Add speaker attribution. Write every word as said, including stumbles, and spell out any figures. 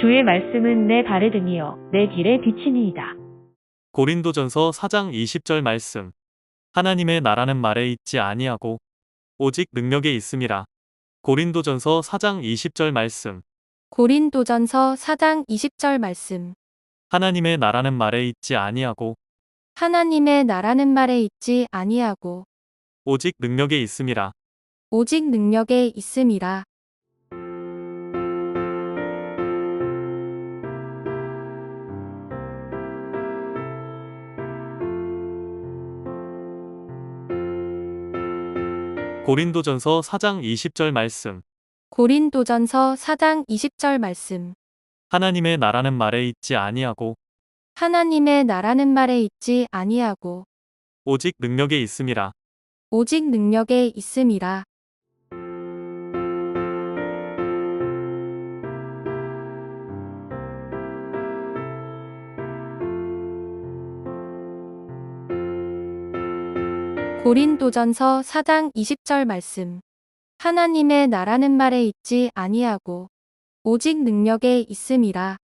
Speaker 1: 주의 말씀은 내 발에 등이요 내 길에 비치니이다.
Speaker 2: 고린도전서 사 장 이십 절 말씀. 하나님의 나라는 말에 있지 아니하고 오직 능력에 있음이라. 고린도전서 사 장 이십 절 말씀.
Speaker 3: 고린도전서 사 장 이십 절 말씀.
Speaker 2: 하나님의 나라는 말에 있지 아니하고
Speaker 3: 하나님의 나라는 말에 있지 아니하고
Speaker 2: 오직 능력에 있음이라.
Speaker 3: 오직 능력에 있음이라.
Speaker 2: 고린도전서 사 장 이십 절 말씀.
Speaker 3: 고린도전서 사 장 이십 절 말씀.
Speaker 2: 하나님의 나라는 말에 있지 아니하고
Speaker 3: 하나님의 나라는 말에 있지 아니하고
Speaker 2: 오직 능력에 있음이라.
Speaker 3: 오직 능력에 있음이라. 고린도전서 사 장 이십 절 말씀. 하나님의 나라는 말에 있지 아니하고 오직 능력에 있음이라.